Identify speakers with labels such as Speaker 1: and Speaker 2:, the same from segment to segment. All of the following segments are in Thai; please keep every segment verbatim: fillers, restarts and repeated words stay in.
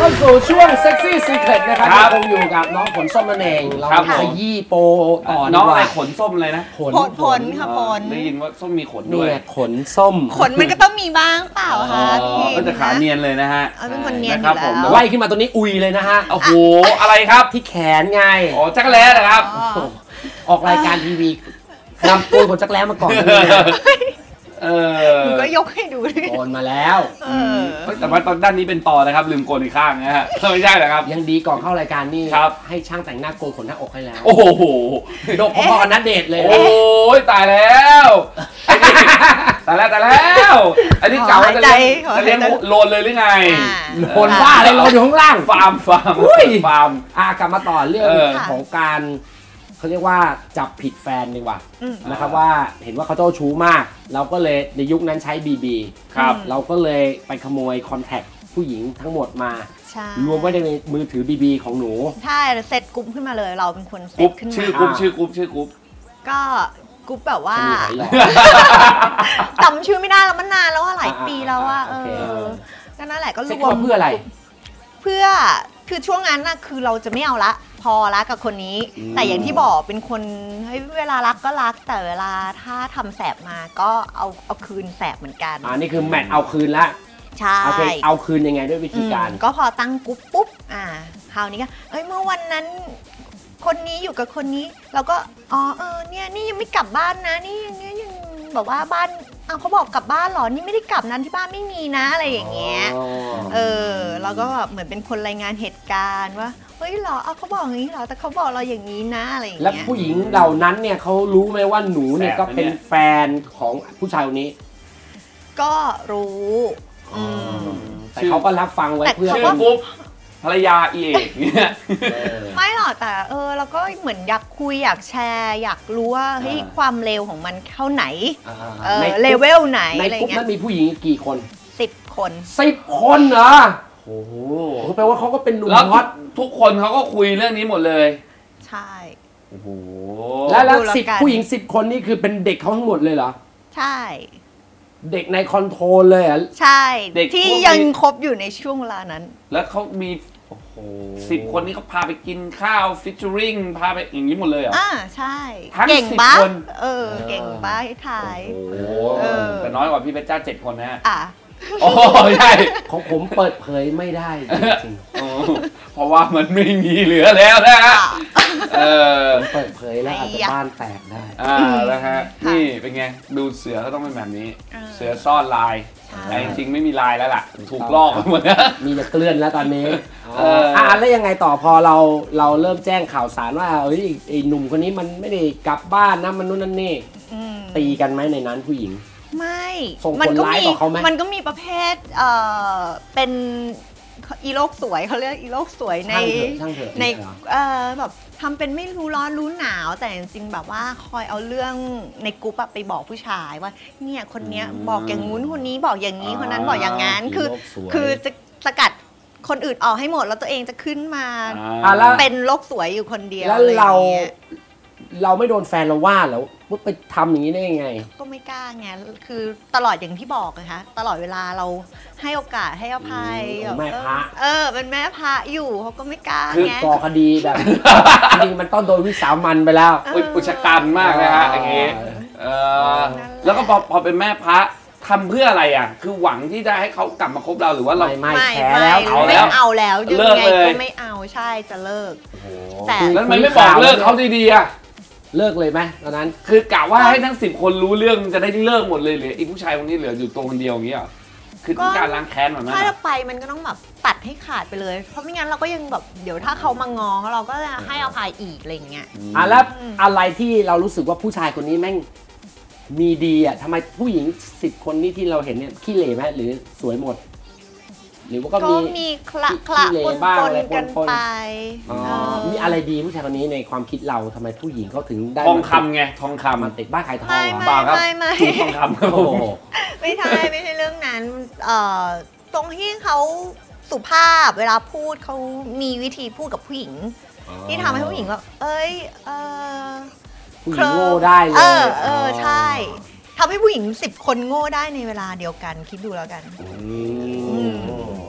Speaker 1: าสู่ช่วงเซ็กซี่ซีเคร็ตนะครับคงอยู่กับน้องผลส้มนั่นเองเราขยี้โปต่อ
Speaker 2: น้องอะไรขนส้มเลยนะ
Speaker 3: ผลผลค่ะผล
Speaker 2: ได้ยินว่าส้มมีขนด้วย
Speaker 1: ขนส้ม
Speaker 3: ขนมันก็ต้องมีบ้างเปล่าคะพี่
Speaker 2: ก็จะขาเนียนเลยนะฮะ
Speaker 3: เป็นคนเนียนอยู่แล้ว
Speaker 1: ไล่ขึ้นมาตัวนี้อุยเลยนะฮะ
Speaker 2: โอ้โหอะไรครับ
Speaker 1: ที่แขนไง
Speaker 2: อ๋อจักรแล้นะครับ
Speaker 1: ออกรายการทีวีนำโกนขนจักรแล้มาก่อน
Speaker 2: เออ
Speaker 3: ก็ยกให้ดู
Speaker 1: โกนมาแล้ว
Speaker 2: แต่ว่าตอนด้านนี้เป็นต่อนะครับลืมโกนอีกข้างนะฮะไม่ใช่เหรอครับ
Speaker 1: ยังดีก่อนเข้ารายการนี่
Speaker 2: ครับ
Speaker 1: ให้ช่างแต่งหน้าโกนขนหน้าอกให้แล้ว
Speaker 2: โอ้โห
Speaker 1: ดกพอๆกับนัดเดทเลย
Speaker 2: โอ้ยตายแล้วตายแล้วตายแล้วอันนี้เก่าจะเลี้ยงจะเลี้ยงโลนเลยหรือไง
Speaker 1: โลนบ้าอะไรโลนอยู่ข้างล่าง
Speaker 2: ฟาร์มฟาร์มฟาร์ม
Speaker 1: อ่ะกลับมาต่อเรื่องของการเขาเรียกว่าจับผิดแฟนดีกว่านะครับว่าเห็นว่าเขาเจ้าชู้มากเราก็เลยในยุคนั้นใช้ บี บี
Speaker 2: ครับ
Speaker 1: เราก็เลยไปขโมยคอนแทคผู้หญิงทั้งหมดมารวมไว้ในมือถือ บี บี ของหนู
Speaker 3: ใช่เซตกรุ๊ปขึ้นมาเลยเราเป็นคนเซตขึ้นมา
Speaker 2: ชื่อกรุ๊ปชื่อกรุ๊ปชื่อกรุ๊ป
Speaker 3: ก็กรุ๊ปแบบว่าจำชื่อไม่ได้แล้วมันนานแล้วว่าหลายปีแล้วว่าเออก็นั่นแหละก็รวม
Speaker 1: เพื่ออะไร
Speaker 3: เพื่อคือช่วงนั้นน่ะคือเราจะไม่เอาละพอละกับคนนี้แต่อย่างที่บอกเป็นคนเฮ้ยเวลารักก็รักแต่เวลาถ้าทำแสบมาก็เอาเอาคืนแสบเหมือนกัน
Speaker 1: อ่านี่คือแมทเอาคืนละ
Speaker 3: ใช่
Speaker 1: เอาคืนยังไงด้วยวิธีการ
Speaker 3: ก็พอตั้งกุ๊บปุ๊บอ่าคราวนี้ก็เอ้ยเมื่อวันนั้นคนนี้อยู่กับคนนี้เราก็อ๋อเออเนี่ยนี่ยังไม่กลับบ้านนะนี่ยังเนี่ยยังแบบว่าบ้านอ้าวเขาบอกกลับบ้านหรอนี่ไม่ได้กลับนั้นที่บ้านไม่มีนะอะไรอย่างเงี้ยเออเราก็แบบเหมือนเป็นคนรายงานเหตุการณ์ว่าเฮ้ยหรอเอาเขาบอกอย่างนี้หรอแต่เขาบอกเราอย่างนี้นะอะไรอย่างเงี้ย
Speaker 1: แล้วผู้หญิงเหล่านั้นเนี่ยเขารู้ไหมว่าหนูเนี่ยก็เป็นแฟนของผู้ชายคนนี้
Speaker 3: ก็รู้
Speaker 1: แต่เขาก็รับฟังไว้เพื่อ
Speaker 2: ชื่อปุ๊บภรรยาเอกเนี่ย
Speaker 3: ไม่หรอกแต่เออเราก็เหมือนอยากคุยอยากแชร์อยากรู้ว่าเฮ้ยความเร็วของมันเท่าไหนเออเลเวลไหน
Speaker 1: ในกลุ่มนั้นมีผู้หญิงกี่คน
Speaker 3: สิบคน
Speaker 1: สิบคนเหรอโอ้โหแปลว่าเขาก็เป็นหนุ่มฮอต
Speaker 2: ทุกคนเขาก็คุยเรื่องนี้หมดเลย
Speaker 3: ใช่
Speaker 2: โอ้โห
Speaker 1: แล้วแล้วสิบผู้หญิงสิบคนนี่คือเป็นเด็กเขาทั้งหมดเลยเหรอ
Speaker 3: ใช่
Speaker 1: เด็กในคอนโทรลเลยอ่ะ
Speaker 3: ใช่ที่ยังคบอยู่ในช่วงเวลานั้น
Speaker 2: แล้วเขามีโอ้โหสิบคนนี้เขาพาไปกินข้าวฟิชเชอริงพาไปอย่างนี้หมดเลยเหรอ
Speaker 3: อ่าใช่
Speaker 2: เก่งบ้า
Speaker 3: เออเก่งบ้าถ่าย
Speaker 2: โอ้แต่น้อยกว่าพี่เพชรจ้าเจ็ดคนนะฮะ
Speaker 3: อ่ะ
Speaker 2: โอ้ใช่
Speaker 1: ของผมเปิดเผยไม่ได้จริง
Speaker 2: เพราะว่ามันไม่มีเหลือแล้วนะฮะเออ
Speaker 1: เปิดเผยแล้วอาจจะบ้านแตกได้
Speaker 2: อ่าแล้วฮะนี่เป็นไงดูเสือเขาต้องเป็นแบบนี้เสือซ่อนลายแต่จริงๆไม่มีลายแล้วล่ะถูกลอกหมดแล้ว
Speaker 1: มีแต่เกลื่อนแล้วตอนนี้อ่าแล้วยังไงต่อพอเราเราเริ่มแจ้งข่าวสารว่าเอ้ยไอ้หนุ่มคนนี้มันไม่ได้กลับบ้านนะมันนู่นนั่นนี่ตีกันไหมในนั้นผู้หญิง
Speaker 3: ไม่
Speaker 1: ส่งผลร้ายต่อเขาไหม
Speaker 3: มันก็มีประเภทเอ่อเป็นอีโลกสวยเขาเรียกอีโลกสวยในในเอ่อแบบทำเป็นไม่รู้ร้อนรู้หนาวแต่จริงๆแบบว่าคอยเอาเรื่องในกรุ๊ปไปบอกผู้ชายว่าเนี่ยคนเนี้ยบอกอย่างงู้นคนนี้บอกอย่างนี้คนนั้นบอกอย่างงั้นคือคือจะสกัดคนอื่นออกให้หมดแล้วตัวเองจะขึ้นมาเป็นโลกสวยอยู่คนเดียว
Speaker 1: แล้วเราเราไม่โดนแฟนเราว่าแล้วว่าไปทำอย่างนี้ได้ยังไง
Speaker 3: ก็ไม่กล้าไงคือตลอดอย่างที่บอกนะคะตลอดเวลาเราให้โอกาสให้อภัย
Speaker 1: แม่พระ
Speaker 3: เออเป็นแม่พระอยู่เขาก็ไม่กล้า
Speaker 1: ไงคือก่อคดีแบบจริงมันต้องโดนวิสามันไปแล้ว
Speaker 2: อุชกันมากเลยฮะอย่างงี้แล้วก็พอพอเป็นแม่พระทำเพื่ออะไรอ่ะคือหวังที่จะให้เขากลับมาคบเราหรือว่าเรา
Speaker 1: ไม่แพ้แล้ว
Speaker 3: เอาแล้วเอาแล้วยังไงก็ไม่เอาใช่จะเลิก
Speaker 2: แต่แล้วมันไม่บอกเลิกเขาดีๆอ่ะ
Speaker 1: เลิกเลยไหมตอนนั้น
Speaker 2: คือกะว่าให้ทั้งสิบคนรู้เรื่องจะได้เลิกหมดเลยเหลืออีกผู้ชายคนนี้เหลืออยู่ตัวคนเดียวอย่างเงี้ยคือต้องการล้างแค้นแบบนั้น
Speaker 3: ถ้าเราไปมันก็ต้องแบบตัดให้ขาดไปเลยเพราะไม่งั้นเราก็ยังแบบเดี๋ยวถ้าเขามางอเราก็จะให้อภัยอีกอะไรอย่างเงี้ย
Speaker 1: อ่ะแล้วอะไรที่เรารู้สึกว่าผู้ชายคนนี้แม่งมีดีอ่ะทำไมผู้หญิงสิบคนนี้ที่เราเห็นเนี่ยขี้เหร่ไหมหรือสวยหมดหรือว่าก็
Speaker 3: มีคละคละปนปนกันไป
Speaker 1: มีอะไรดีผู้ชายคนนี้ในความคิดเราทำไมผู้หญิงเขาถึงได้
Speaker 2: ทองคำไงทองคำ
Speaker 1: มันติดบ้าขายทอง
Speaker 3: เปล่า
Speaker 2: ครับ
Speaker 3: ท
Speaker 2: องคำครับ
Speaker 3: ไม่ใช่ไม่ใช่เรื่องนั้นตรงที่เขาสุภาพเวลาพูดเขามีวิธีพูดกับผู้หญิงที่ทำให้ผู้หญิงว่าเอ้ย
Speaker 1: ผู้หญิงโง่ได้เลย
Speaker 3: เออเออใช่ทำให้ผู้หญิงสิบคนโง่ได้ในเวลาเดียวกันคิดดูแล้วกัน
Speaker 1: ส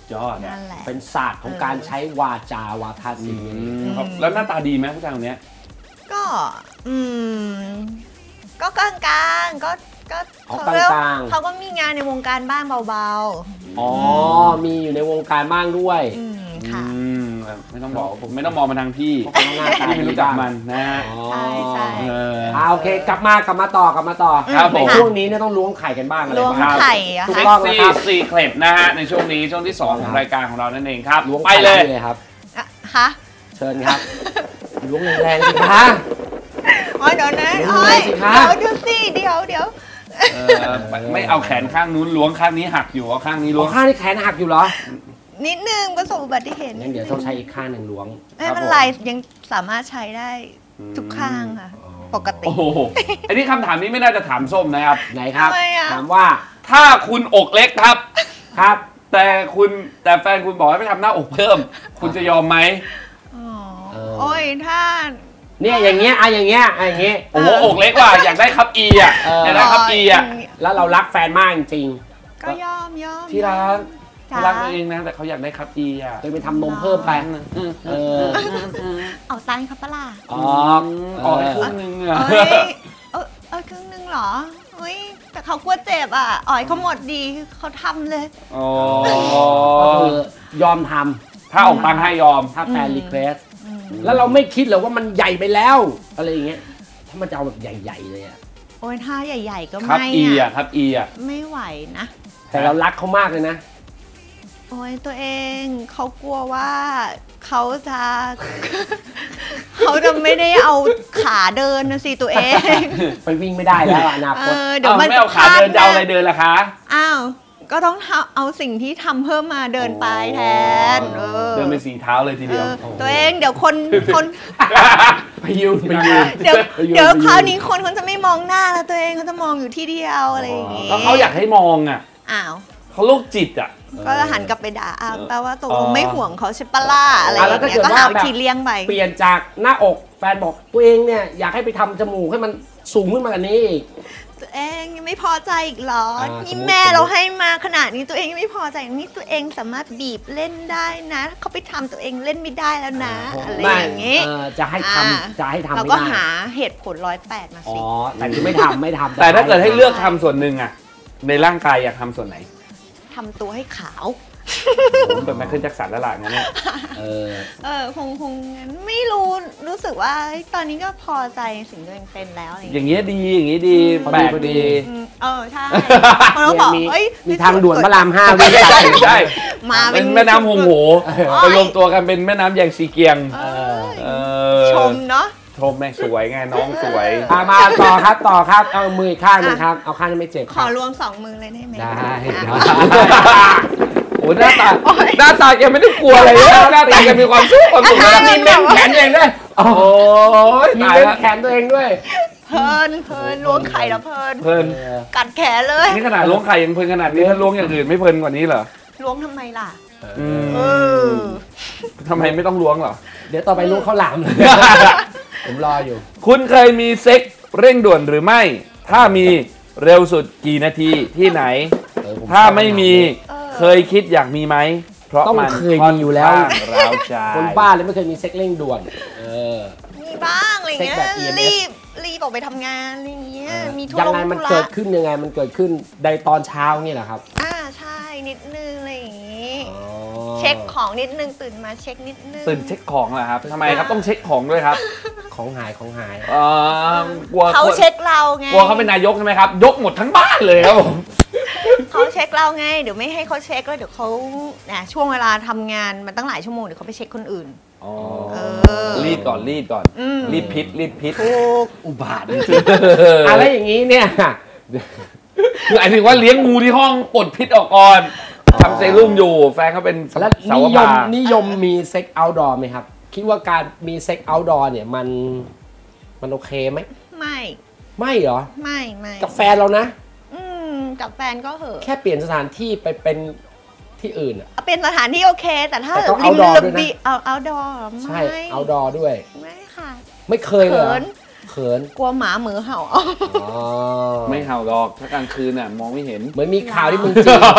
Speaker 2: ยอด
Speaker 3: นั่นแหละ
Speaker 1: เป็นศาสตร์ของการใช้วาจาวาทศิลป์
Speaker 2: ครับแล้วหน้าตาดีไหมผู้ชายคนนี้
Speaker 3: ก็อืมก็กลางๆก็ก็
Speaker 1: อ๋อ
Speaker 3: เขาเรียก
Speaker 1: กลางๆ
Speaker 3: เขาก็มีงานในวงการบ้างเบา
Speaker 1: อ๋อมีอยู่ในวงการบ้างด้วย
Speaker 3: ๆอืมค่ะ
Speaker 2: อืมไม่ต้องบอกผมไม่ต้องมองมาทางพี่
Speaker 1: เพราะเขาหน้าตา
Speaker 2: พี่ไม่รู้จักมันนะฮะ
Speaker 1: อ๋อ
Speaker 3: ใช่ใช่
Speaker 2: เออ
Speaker 1: อ่าโอเคกลับมากลับมาต่อกลับมาต่อ
Speaker 2: ครับผม
Speaker 1: ในช่วงนี้เนี่ยต้องล้วงไข่กันบ้างอะไร
Speaker 3: ล้วง
Speaker 1: บ้าง
Speaker 3: ไข่อะ
Speaker 1: ถูก
Speaker 3: ค่ะ
Speaker 1: ต้อง
Speaker 2: ซี
Speaker 1: นะครับ
Speaker 2: ซีเคล็ดนะฮะในช่วงนี้ช่วงที่สองของ
Speaker 1: ครับ
Speaker 2: รายการของเรานั่นเองครับ
Speaker 1: ล้วง
Speaker 2: ไปเลย
Speaker 1: ข่เลยครับ
Speaker 3: อ่ะฮะ
Speaker 1: เชิญครับล้วงแรงๆสิคะ
Speaker 3: อ๋อเดี๋ยวนะ
Speaker 1: ล้วง
Speaker 3: โอ้
Speaker 1: เลย
Speaker 3: ย
Speaker 1: สิคะ
Speaker 3: เดี๋ยวดูสิเดี๋ยวเดี๋ยว
Speaker 2: เออไม่เอาแขนข้างนู้นล้วงข้างนี้หักอยู่เอาข้างนี้
Speaker 1: หั
Speaker 2: ล้ว
Speaker 1: ว
Speaker 2: ง
Speaker 1: ข้างนี่แขนหักอยู่เหรอ
Speaker 3: นิดนึงประสบอุบัติเหตุ
Speaker 1: งั้นเดี๋ยวต้องใช้อีกข้างหนึ่งล้วง
Speaker 3: ไม่เป็นไรยังสามารถใช้ได้ทุกข้างค่ะ ปกติ
Speaker 2: โอ้โหอันนี้คำถามนี้ไม่น่าจะถามส้มนะครับ
Speaker 1: ไหนครับ
Speaker 3: ทำไมอะ
Speaker 1: ถามว่า
Speaker 2: ถ้าคุณอกเล็กครับ
Speaker 1: ครับ
Speaker 2: แต่คุณแต่แฟนคุณบอกให้ไปทำหน้าอกเพิ่ม คุณจะยอมไหม
Speaker 3: อ๋อ
Speaker 1: เออ
Speaker 3: โอ้ยถ้า
Speaker 1: เนี่ยอย่างเงี้ยอะอย่างเงี้ยอะอย่างเงี้ย
Speaker 2: โอ้โหอกเล็กว่ะอยากได้ครับอีอ่ะ
Speaker 1: เอออ
Speaker 2: อยากได้ครับอีอ่ะ
Speaker 1: แล้วเรารักแฟนมากจริง
Speaker 3: ก็ยอมยอม
Speaker 2: ที่รัก
Speaker 3: จ้า
Speaker 2: เขารักตัวเองนะแต่เขาอยากได้ครับอีอ่ะ
Speaker 1: ๆเลยไปทำนมเพิ่มไปเออ
Speaker 3: เอาตังค์ครับปะล่ะ
Speaker 1: อ๋อ
Speaker 2: ออกไปครึ่งนึงอ่ะ
Speaker 3: เอ้ยเออเออครึ่งนึงเหรอเฮ้ยแต่เขากลัวเจ็บอ่ะอ่อยเขาหมดดีเขาทำเลย
Speaker 2: อ๋อ
Speaker 1: ก็คือยอมท
Speaker 2: ถ้าออกตังค์ให้ยอม
Speaker 1: ำถ้าแฟน
Speaker 3: อืม
Speaker 1: รีเควสแล้วเราไม่คิดเหรอว่ามันใหญ่ไปแล้ว อะไรอย่างเงี้ยถ้ามันจะเอาแบบใหญ่ๆเลยอะ
Speaker 3: โอ้ยถ้าใหญ่ ๆ ก็
Speaker 2: ครับ
Speaker 3: ไม่
Speaker 2: อี
Speaker 3: อะ
Speaker 2: อ่ะครับอีอ่ะ
Speaker 3: ไม่ไหวนะ
Speaker 1: แต่เรารักเขามากเลยนะ
Speaker 3: โอ้ยตัวเองเขากลัวว่าเขาจะ เขาจะไม่ได้เอาขาเดินนะสิตัวเอง
Speaker 1: ไปวิ่งไม่ได้แล้วอนา
Speaker 3: เอ
Speaker 1: คต
Speaker 3: อเดี๋ยว
Speaker 2: เอา
Speaker 3: มัน
Speaker 2: ไม่เอาขาเดินจะเอาอะไรเดินล่ะคะ
Speaker 3: อ้าวก็ต้องเอาสิ่งที่ทำเพิ่มมาเดินไปแทนเออ
Speaker 2: เดินเป็นสีเท้าเลยที
Speaker 3: เอ
Speaker 2: เดียว
Speaker 3: อตัวเองเดี๋ยวคนคน
Speaker 1: ไปยืนไปยืน
Speaker 3: เดี๋ยว
Speaker 1: ไปยืน
Speaker 3: เดี๋ยว
Speaker 1: ไปยืน
Speaker 3: คราวนี้คนเขาจะไม่มองหน้าแล้วตัวเองเขาจะมองอยู่ที่เดียวอะไรอย่างงี้
Speaker 2: ก็เขาอยากให้มองอ่ะ
Speaker 3: อ้าว
Speaker 2: เขาโรคจิตอ่ะ
Speaker 3: ก็หันกลับไปด่าอ้าวแปลว่าตกล
Speaker 2: อ๋
Speaker 3: ง
Speaker 2: อ
Speaker 3: ไม่ห่วงเขาใช่ปะล่ะอะไรอ
Speaker 1: อ่ะแล้ว
Speaker 3: ย่าง
Speaker 1: ถ้า
Speaker 3: เงี้ย
Speaker 1: เกิด
Speaker 3: ก็
Speaker 1: ว่า
Speaker 3: หาวิ
Speaker 1: แบบ
Speaker 3: ธีเลี่ยงไป
Speaker 1: เปลี่ยนจากหน้าอกแฟนบอกตัวเองเนี่ยอยากให้ไปทำจมูกให้มันสูงขึ้นมากว่านี้อีก
Speaker 3: ตัวเองยังไม่พอใจอีกเหรอ
Speaker 1: อ่า
Speaker 3: นี่
Speaker 1: สมมุติ
Speaker 3: แม่
Speaker 1: สมมุติ
Speaker 3: เราให้มาขนาดนี้ตัวเองยังไม่พอใจนี่ตัวเองสามารถบีบเล่นได้นะถ้าเขาไปทำตัวเองเล่นไม่ได้แล้วนะ อะไรอย่างงี้
Speaker 1: เออจะให้ท
Speaker 3: อ่า
Speaker 1: ำจะให้ทำ
Speaker 3: เรา
Speaker 1: ไม่
Speaker 3: ก็
Speaker 1: ได้
Speaker 3: หาเหตุผลร้อยแปดมา
Speaker 1: อ๋อ
Speaker 3: สิ
Speaker 1: แต่คือไม่ทำไม่ทำ
Speaker 2: แต่ถ้าเกิดให้เลือกทำส่วนหนึ่งอ่ะ ในร่างกายอยากทำส่วนไหน
Speaker 3: ทำตัวให้ขาว
Speaker 2: ผมเป็นไมเคิลแจ็คสันแล้วล่ะงั้นเนี่ย
Speaker 1: เออ
Speaker 3: เออคงคงงั้นไม่รู้รู้สึกว่าเอ้ยตอนนี้ก็พอใจสิ่งที่ตัวเองเป็นแล้วอะไรอย่าง
Speaker 2: อ
Speaker 3: เงี้ย
Speaker 2: ย่างเงี้ยดีอย่างงี้ดี
Speaker 1: พอดี
Speaker 2: แปลก
Speaker 1: พอดี
Speaker 2: ดี
Speaker 3: อืมเออใช่คนเขาบอก
Speaker 1: มี
Speaker 3: เอ้ย
Speaker 1: มีทางด่วนพระรามห้าวิ่ง
Speaker 2: ใช่
Speaker 1: ตัด
Speaker 2: ใช่ใช่
Speaker 3: มา
Speaker 2: เป็นแม่น้ำหงโห
Speaker 3: โอ้ย
Speaker 2: ไปรวมตัวกันเป็นแม่น้ำแยงซีเกียง
Speaker 3: เอ
Speaker 2: เอ
Speaker 3: อ
Speaker 2: อ
Speaker 3: ชมเนาะ
Speaker 2: ชมแม่สวยไงน้องสวย
Speaker 1: อ่ะมาต่อครับต่อครับเอามืออีกข้างหนึงครับ เอาข้างที่ไม่เจ็บ
Speaker 3: ข
Speaker 1: ครั
Speaker 3: อบ รวมสองมือเลยได้ไหม
Speaker 1: ได้
Speaker 3: อ่ะ
Speaker 2: โอ้หน้าตาหน้าตาแกไม่ได้กลัวอะไรเลยหน้าตาแกมีความสุขความสุข
Speaker 3: อ่ะ
Speaker 2: นะ
Speaker 1: มีเม้นแขนเองด้วย
Speaker 2: โอ้ย
Speaker 1: มี
Speaker 2: ตาย
Speaker 1: เม้น
Speaker 2: แล้ว
Speaker 1: แขนตัวเองด้วย
Speaker 3: เพลินเพลินล้วงไข่แล้วเพลิน
Speaker 2: เพลิน
Speaker 1: เออ
Speaker 3: กัดแขนเลย
Speaker 2: นี่ขนาดล้วงไข่ยังเพลินขนาดนี้ถ้าล้วงอย่างอื่นไม่เพลินกว่านี้เหรอ
Speaker 3: ล้วงทำไมล่ะ
Speaker 2: อืม
Speaker 3: เออ
Speaker 2: ทำไมไม่ต้องล้วงเหรอ
Speaker 1: เดี๋ยวต่อไปลูกข้าวหลามเลย ผมรออยู่
Speaker 2: คุณเคยมีเซ็กเร่งด่วนหรือไม่ ถ้ามีเร็วสุดกี่นาทีที่ไหน
Speaker 1: เออผ
Speaker 2: ถ้าไม่มี
Speaker 3: เออ
Speaker 2: เคยคิดอยากมีไหม เพราะ
Speaker 1: ต้อง
Speaker 2: มัน
Speaker 1: เคยมีอยู่แล้ว
Speaker 2: ค่อนข้างร้าวใจ
Speaker 1: คนบ้าเลยไม่เคยมีเซ็กเร่งด่วน เออ
Speaker 3: มีบ้างอะไรเงี้ย
Speaker 1: เซ็กแบบ อี เอ็ม เอส
Speaker 3: รีบรีบออกไปทำงานอะไรเงี้ยมีธุ
Speaker 1: ยัง
Speaker 3: ระ
Speaker 1: ไงมัน
Speaker 3: ธุระ
Speaker 1: เกิดขึ้นยังไงมันเกิดขึ้นในตอนเช้านี่แหละครับ
Speaker 3: อ่าใช่นิดนึงอะไรอย่างงี้
Speaker 1: อ๋อ
Speaker 3: เช็คของนิดนึงตื่นมาเช็คนิดนึง
Speaker 2: ตื่นเช็คของเหรอครับทำไมครับต้องเช็คของด้วยครับ
Speaker 1: ของหายของหาย
Speaker 2: เอ่อกลัว
Speaker 3: เขาเช็คเราไง
Speaker 2: กลัวเขาเป็นนายกใช่ไหมครับ ยกหมดทั้งบ้านเลยครับผม
Speaker 3: เขาเช็คเราไงเดี๋ยวไม่ให้เขาเช็คแล้วเดี๋ยวเขาเนี่ยช่วงเวลาทำงานมันตั้งหลายชั่วโมงเดี๋ยวเขาไปเช็คคนอื่น
Speaker 2: อ๋อ
Speaker 3: เออ
Speaker 2: รีดก่อนรีดก่อน
Speaker 3: อืม
Speaker 2: รีดพิษรีดพิษ
Speaker 3: ถูก
Speaker 1: อุบาทจริงๆอะไรอย่างนี้เนี่ย
Speaker 2: คือหมายถึงว่าเลี้ยงงูที่ห้องปลดพิษออกก่อนทำเซรุ่มอยู่ แฟนเขาเป็น
Speaker 1: แล้ว
Speaker 2: สา
Speaker 1: นิ
Speaker 2: วย
Speaker 1: ม
Speaker 2: บา
Speaker 1: นิยมมีเซ็กเอาท์ดอร์ไหมครับ คิดว่าการมีเซ็กเอาท์ดอร์เนี่ยมันมันโอเคไหม
Speaker 3: ไม่
Speaker 1: ไม่เหรอ
Speaker 3: ไม่ไม่
Speaker 1: กับแฟนเรานะ
Speaker 3: อืมกับแฟนก็เหอะ
Speaker 1: แค่เปลี่ยนสถานที่ไปเป็นที่อื่นอะ
Speaker 3: เอาเป็นสถานที่โอเค แต่ถ้า
Speaker 1: แต่ต้อง
Speaker 3: ริม
Speaker 1: outdoor
Speaker 3: ระ
Speaker 1: ด้วยนะ
Speaker 3: เบียงเอาเอาดอ
Speaker 1: ใช่
Speaker 3: ไม่
Speaker 1: เอาท์ดอร์ด้วย
Speaker 3: ไม่ค่ะ
Speaker 1: ไม่เคยเลยเหรอ
Speaker 3: เขิน
Speaker 1: เขิน
Speaker 3: กลัวหมาเหมือเห่า
Speaker 1: อ๋อ
Speaker 2: ไม่เห่าหรอกถ้ากลางคืนน่ะมองไม่เห็น
Speaker 1: เหมือนมีข่าวที่เมึงจีน ข่าว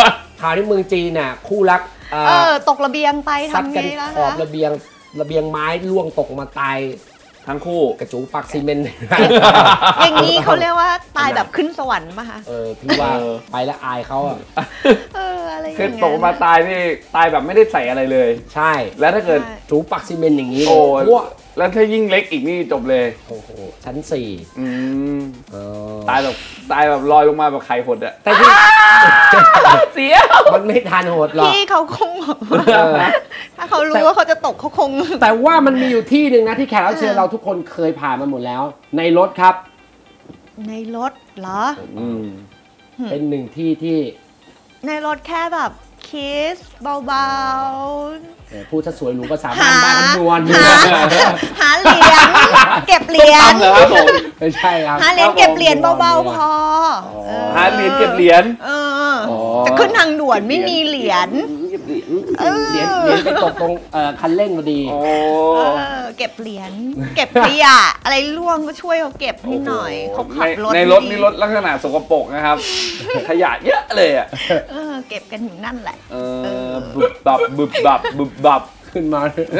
Speaker 1: ข่าวที่เมืองจีนน่ะคู่รักเอ
Speaker 3: เอ
Speaker 1: อ
Speaker 3: อตกระเบียงไป
Speaker 1: ซัด
Speaker 3: ทำ
Speaker 1: กั
Speaker 3: ไง
Speaker 1: น
Speaker 3: ล่ะ
Speaker 1: ขอบ
Speaker 3: คะ
Speaker 1: ระเบียงระเบียงไม้ล่วงตกมาตาย
Speaker 2: ทั้งคู่
Speaker 1: กระจูปักซีเมนต์
Speaker 3: อย่างนี้เขาเรียกว่าตายแบบขึ้นสวรรค์ป่ะคะ
Speaker 1: เออพี่ว่าไปแล้วอายเขาอ่ะ
Speaker 3: เอออะไรอย่าง
Speaker 2: คือ
Speaker 3: เงี้ย
Speaker 2: ตกมาตายนี่ตายแบบไม่ได้ใส่อะไรเลย
Speaker 1: ใช่
Speaker 2: แล้วถ้าเกิด
Speaker 3: ใช่
Speaker 1: จูปักซีเมนต์อย่างนี้
Speaker 2: โอ้
Speaker 1: พวก
Speaker 2: แล้วถ้ายิ่งเล็กอีกนี่จบเลย
Speaker 1: โอ้โหชั้นสี่
Speaker 2: อืม
Speaker 1: เออ
Speaker 2: ตายแบบตายแบบลอยลงมาแบบไข่หดอะ
Speaker 1: แต่ที่
Speaker 2: เสีย
Speaker 1: มันไม่ทันโหดหรอก
Speaker 3: พี่เขาคงแบบว่า
Speaker 1: เออ
Speaker 3: ถ้าเขารู้ว่าเขาจะตกเขาคง
Speaker 1: แต่ว่ามันมีอยู่ที่หนึ่งนะที่แขกรับเชิญเราทุกคนเคยผ่านมาหมดแล้ว ในรถครับ
Speaker 3: ในรถเหรอ
Speaker 2: อืม
Speaker 1: เป็นหนึ่งที่ที่
Speaker 3: ในรถแค่แบบคิสเบา
Speaker 1: เอ่อพูดซะสวยหรูภาษา
Speaker 3: ๆ
Speaker 1: บ้านบ้านคำนวณ
Speaker 3: หาหาเหรียญเก็บเหรียญ
Speaker 2: เหรอครับผม
Speaker 1: ไม่ใช่ครับ
Speaker 3: หาเหรียญเก็บเหรียญเบาๆพอเออ
Speaker 2: หาเหรียญเก็บเหรียญ
Speaker 3: เออจะขึ้นทางด่วนไม่มีเหรียญ
Speaker 1: เก็บเหรียญ
Speaker 3: เออ
Speaker 1: เหรียญเหรียญไปตกตรงเอ่อคันเร่งพอดี
Speaker 2: โอ้
Speaker 3: เออเก็บเหรียญเก็บขยะอะไรร่วงก็ช่วยเขาเก็บนิดหน่อยเขาขับรถ
Speaker 2: ในรถ
Speaker 3: ดี
Speaker 2: นี่รถลักษณะสกปรกนะครับ ขยะเยอะเลยอ่ะ
Speaker 3: เออเก็บกันอยู่นั่นแหละ
Speaker 2: เออบึบบับบึบบับบึบบับ
Speaker 1: ขึ้นมา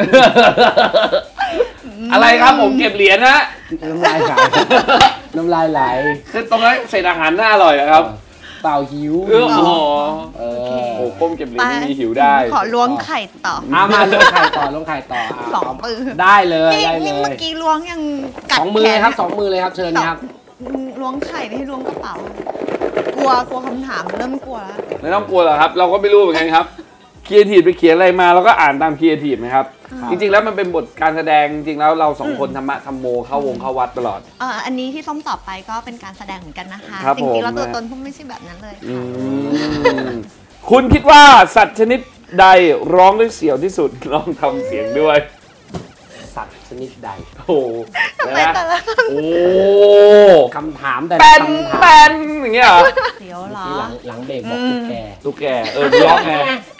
Speaker 2: อะไรครับผมเก็บเหรียญนะ
Speaker 1: น้ำลายไหลน้ำลายไหล
Speaker 2: คือตรงนั้นเศษอาหารน่าอร่อยอะครับ
Speaker 1: เปล่าหิว
Speaker 2: เออโอ้โห
Speaker 1: เอ
Speaker 3: โอเค
Speaker 1: อ
Speaker 2: โอ้ก้มเก็บเหรียญไม่มีหิวได้
Speaker 3: ขอล้วงไข่ต่อ
Speaker 1: อามาลงไข่ต่อลงไข่ต่ออ่ะ
Speaker 3: สองมือ
Speaker 1: ได้เลย
Speaker 3: นี่
Speaker 1: ได้เล
Speaker 3: นี่เมื่
Speaker 1: ย
Speaker 3: อกี้ล้วงยังกัด
Speaker 1: สองมือ
Speaker 3: แข
Speaker 1: เลย
Speaker 3: น
Speaker 1: ครับสองมือเลยครับเชิญครับ
Speaker 3: ล้วงไข่ไม่ให้ล้วงกระเป๋า กลัวกลัวคำถามเริ่มกลัวแล้ว
Speaker 2: ไม่ต้องกลัวหรอกครับ เราก็ไม่รู้เหมือนกันครับครีเอทีฟไปเขียนอะไรมาเราก็อ่านตามครีเอทีฟนะครับ
Speaker 1: ครับ
Speaker 2: จริงๆแล้วมันเป็นบทการแสดงจริงๆแล้วเราสองคนธรรมะธรรมโมเข้าวงเข้าวัดตลอด
Speaker 3: เอ่ออันนี้ที่ส้มตอบไปก็เป็นการแสดงเหมือนกันนะคะ
Speaker 2: ครับ
Speaker 3: จริงๆแล้ว
Speaker 2: ผม
Speaker 3: ตัวตนส้มไม่ใช่แบบนั้นเลย
Speaker 2: อื
Speaker 3: ค่ะ
Speaker 2: มคุณคิดว่าสัตว์ชนิดใดร้องได้เสียวที่สุดลองทำเสียงด้วย
Speaker 1: สัตว์ชนิดใด
Speaker 2: โอ้โห
Speaker 3: ทำไมแต่ละ
Speaker 2: โอ้
Speaker 1: คำถามแต่
Speaker 2: แป
Speaker 1: ละ
Speaker 2: น
Speaker 1: คำถาม
Speaker 2: แปนอย่างเงี้ยเหรอ
Speaker 3: เสียวเหรอ
Speaker 1: ที่หลังหลังเบรกบอก
Speaker 3: อืม
Speaker 1: ตุ๊กแก
Speaker 2: ตุ๊กแกเออร้องไง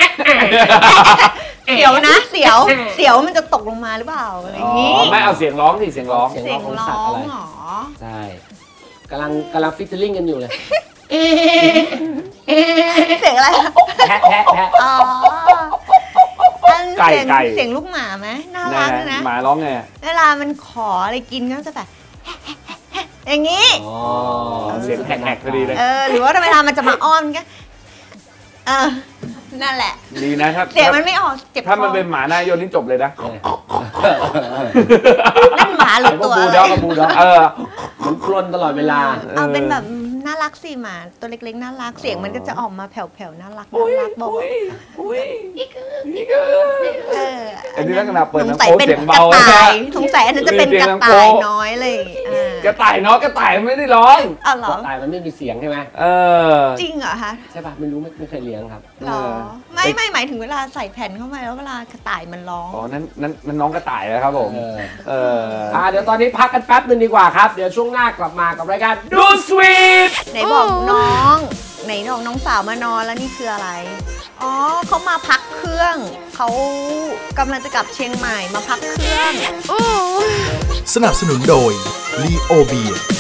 Speaker 3: เสียวนะ เสียว เสียวมันจะตกลงมาหรือเปล่าอะไรอย่างนี้
Speaker 2: อ๋อไม่เอาเสียงร้องสิเสียงร้อง
Speaker 1: เสียง
Speaker 3: เสียง
Speaker 1: ของ
Speaker 3: ร้
Speaker 1: สัตว์
Speaker 3: อ
Speaker 1: อะไร
Speaker 3: งเหรอ
Speaker 1: ใช่กำลังกำลังฟิชเชอร์ลิงกันอยู่เลย
Speaker 3: เสียงอะไร
Speaker 1: แพะแพะแพะ
Speaker 3: อ๋ออัน
Speaker 2: ไก่
Speaker 3: เสียง
Speaker 2: ไก่
Speaker 3: เสียงลูกหมาไหมน่า
Speaker 2: ไหน
Speaker 3: รัก
Speaker 2: ๆ
Speaker 3: นะ
Speaker 2: หมาร้องไง
Speaker 3: เวลามันขออะไรกินก็จะแบบ อย่างนี้
Speaker 1: อ๋อ
Speaker 2: เสียงแหกๆพอดีเลย
Speaker 3: เออ หรือว่าเวลามันจะมาอ้อนก็เออ นั่นแหละ
Speaker 2: ดีนะถ้า
Speaker 3: เสียงมันไม่ออกเจ็บคอ
Speaker 2: ถ้ามันเป็นหมาหน้าโยนนี่จบเลยนะ
Speaker 3: นั่นหมาหรือ
Speaker 1: พว
Speaker 3: ตั
Speaker 1: ก
Speaker 3: ว
Speaker 1: บู
Speaker 3: อะ
Speaker 1: ล
Speaker 3: ไร
Speaker 1: ด็อกกับบูลด็อก
Speaker 2: เออ
Speaker 1: มันกลนตลอดเวลา
Speaker 3: เอาเป็นแบบน่ารักสิหมาตัวเล็กๆน่ารักเสียงมันก็จะออกมาแผ่วๆน่ารักน่ารักบอกว่า
Speaker 2: อุ้ยอีกอีก
Speaker 3: เออ
Speaker 2: อันนี้ลักษณะเปิด
Speaker 3: สง
Speaker 2: น้ำ
Speaker 3: สัย
Speaker 2: โค้ก
Speaker 3: เป็น
Speaker 2: เสียง
Speaker 3: กระ
Speaker 2: เบา
Speaker 3: ต่าย
Speaker 2: นะ
Speaker 3: สงสัยอันนั้นจะเป็นกระต่ายน้อยเลยอ่าก
Speaker 2: ระต่ายเนาะกระต่ายไม่ได้ร้อง
Speaker 3: อ๋อเหรอ
Speaker 1: ตายมันไม่มีเสียงใช่ไหม
Speaker 2: เออ
Speaker 3: จริงเหรอคะ
Speaker 1: ใช่ป่ะไม่รู้ไม่ไม่เคยเลี้ยงครับ
Speaker 3: เหรอไม่ไม่หมายถึงเวลาใส่แผ่นเข้าไปแล้วเวลากระต่ายมันร้อง
Speaker 2: อ๋อนั้นนั้นนั้นน้องกระต่ายนะครับผม
Speaker 1: เออ
Speaker 2: เออ
Speaker 1: อ่าเดี๋ยวตอนนี้พักกันแป๊บนึงดีกว่าครับ เดี๋ยวช่วงหน้ากลับมากับรายการ
Speaker 2: ดูสวีท
Speaker 3: ไหนบอกน้องไหนน้องน้องสาวมานอนแล้วนี่คืออะไร อ๋อเขามาพักเครื่องเขากำลังจะกลับเชียงใหม่มาพักเครื่อง
Speaker 4: สนับสนุนโดย ลีโอเบียร์